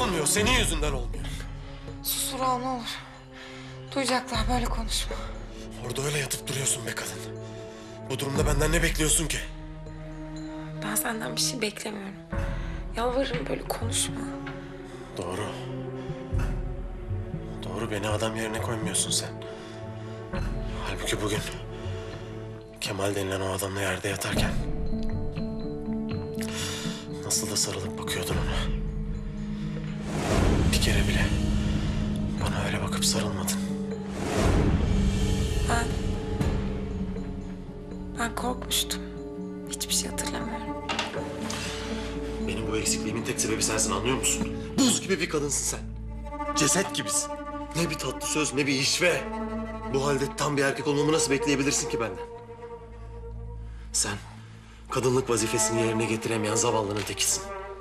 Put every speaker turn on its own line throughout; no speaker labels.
Olmuyor, senin yüzünden olmuyor.
Sus Vural, ne olur. Duyacaklar, böyle konuşma.
Orada öyle yatıp duruyorsun be kadın. Bu durumda benden ne bekliyorsun ki?
Ben senden bir şey beklemiyorum. Yalvarırım, böyle konuşma.
Doğru. Doğru, beni adam yerine koymuyorsun sen. Halbuki bugün Kemal denilen o adamla yerde yatarken nasıl da sarılıp bakıyordun ona. Bir kere bile bana öyle bakıp sarılmadın.
Ben korkmuştum. Hiçbir şey hatırlamıyorum.
Benim bu eksikliğimin tek sebebi sensin, anlıyor musun? Buz gibi bir kadınsın sen. Ceset gibisin. Ne bir tatlı söz, ne bir işve. Bu halde tam bir erkek olmamı nasıl bekleyebilirsin ki benden? Sen kadınlık vazifesini yerine getiremeyen zavallının tekisin.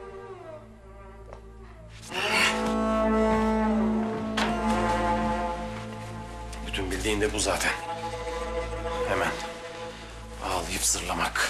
Bütün bildiğin de bu zaten. Hemen ağlayıp zırlamak.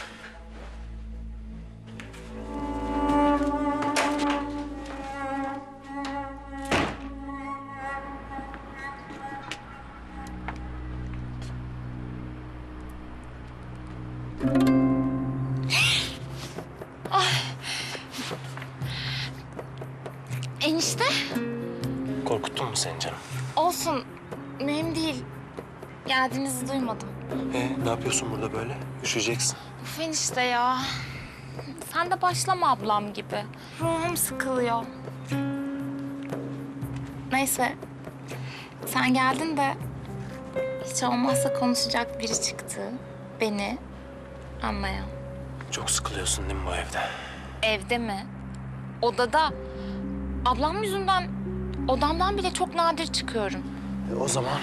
Enişte?
Korkuttun mu seni canım?
Olsun. Mühim değil. Geldiğinizi duymadım.
Ne yapıyorsun burada böyle? Üşüyeceksin.
Uf enişte ya. Sen de başlama ablam gibi. Ruhum sıkılıyor. Neyse. Sen geldin de hiç olmazsa konuşacak biri çıktı. Beni anlayan.
Çok sıkılıyorsun değil mi bu evde?
Evde mi? Odada. Ablam yüzünden odamdan bile çok nadir çıkıyorum.
O zaman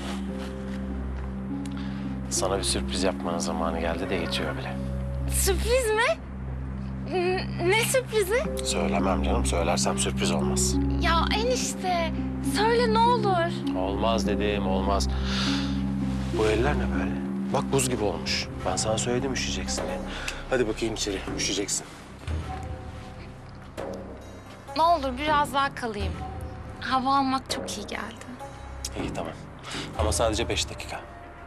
sana bir sürpriz yapmanın zamanı geldi de geçiyor bile.
Sürpriz mi? Ne sürprizi?
Söylemem canım. Söylersem sürpriz olmaz.
Ya enişte, söyle ne olur.
Olmaz dedim, olmaz. Bu eller ne böyle? Bak buz gibi olmuş. Ben sana söyledim üşüyeceksin diye. Hadi bakayım içeri, üşüyeceksin.
Ne olur biraz daha kalayım. Hava almak çok iyi geldi.
İyi tamam. Ama sadece 5 dakika.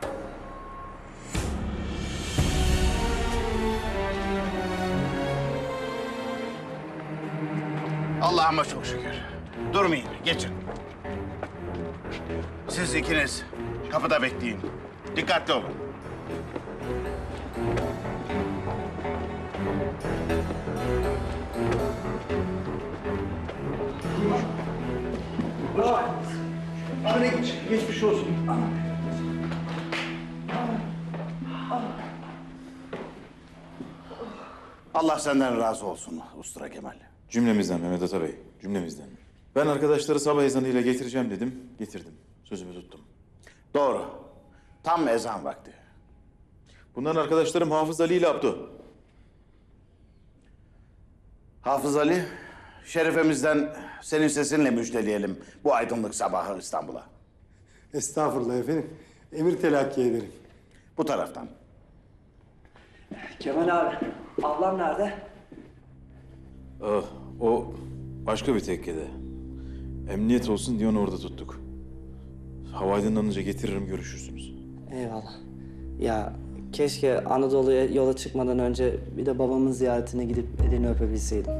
Allah'ıma çok şükür. Durmayın, geçin. Siz ikiniz kapıda bekleyin. Dikkatli olun.
Hadi geç, geçmiş olsun.
Allah senden razı olsun Ustura Kemal.
Cümlemizden Mehmet Ata Bey, cümlemizden. Ben arkadaşları sabah ezanıyla getireceğim dedim, getirdim. Sözümü tuttum.
Doğru. Tam ezan vakti.
Bunların arkadaşlarım Hafız Ali ile Abdu.
Hafız Ali, şerefemizden senin sesinle müjdeleyelim bu aydınlık sabahı İstanbul'a.
Estağfurullah efendim. Emir telakki ederim.
Bu taraftan.
Kemal abi, ablam nerede?
Ah, o başka bir tekkede. Emniyet olsun diye onu orada tuttuk. Hava aydınlanınca getiririm, görüşürsünüz.
Eyvallah. Ya keşke Anadolu'ya yola çıkmadan önce bir de babamın ziyaretine gidip elini öpebilseydim.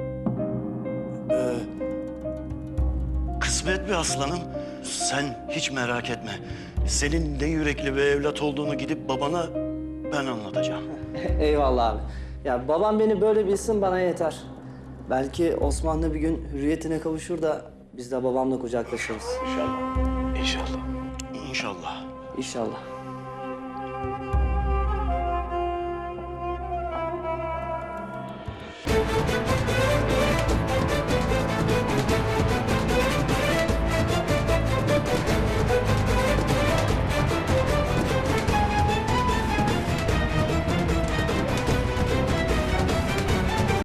Kısmet mi aslanım? Sen hiç merak etme. Senin ne yürekli bir evlat olduğunu gidip babana ben anlatacağım.
Eyvallah abi. Ya babam beni böyle bilsin bana yeter. Belki Osmanlı bir gün hürriyetine kavuşur da biz de babamla kucaklaşırız.
İnşallah.
İnşallah.
İnşallah.